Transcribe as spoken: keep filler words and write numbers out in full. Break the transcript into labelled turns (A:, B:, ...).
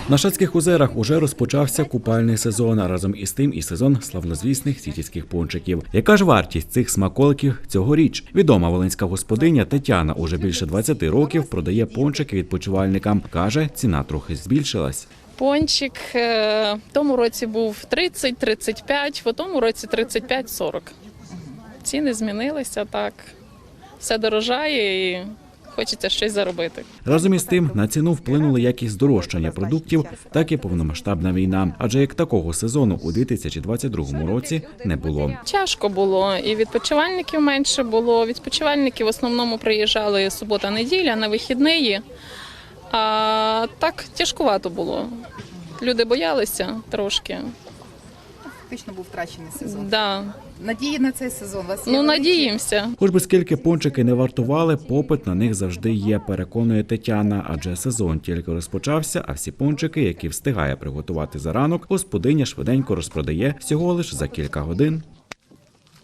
A: На Шацьких озерах уже розпочався купальний сезон, а разом із тим і сезон славнозвісних сітівських пончиків. Яка ж вартість цих смаколиків цьогоріч? Відома волинська господиня Тетяна уже більше двадцяти років продає пончики відпочивальникам. Каже, ціна трохи збільшилась.
B: Пончик в тому році був тридцять - тридцять п'ять, в тому році тридцять п'ять - сорок. Ціни змінилися, так. Все дорожає і хочеться щось заробити.
A: Разом із тим на ціну вплинули як і здорожчання продуктів, так і повномасштабна війна. Адже як такого сезону у дві тисячі двадцять другому році не було.
B: Тяжко було, і відпочивальників менше було. Відпочивальники в основному приїжджали субота-неділя на вихідні, а так тяжкувато було. Люди боялися трошки.
C: Фактично був втрачений сезон.
B: Да.
C: Надії на цей сезон у вас є?
B: Ну,
C: великі?
B: надіємося.
A: Хоч би скільки пончики не вартували, попит на них завжди є, переконує Тетяна. Адже сезон тільки розпочався, а всі пончики, які встигає приготувати за ранок, господиня швиденько розпродає всього лиш за кілька годин.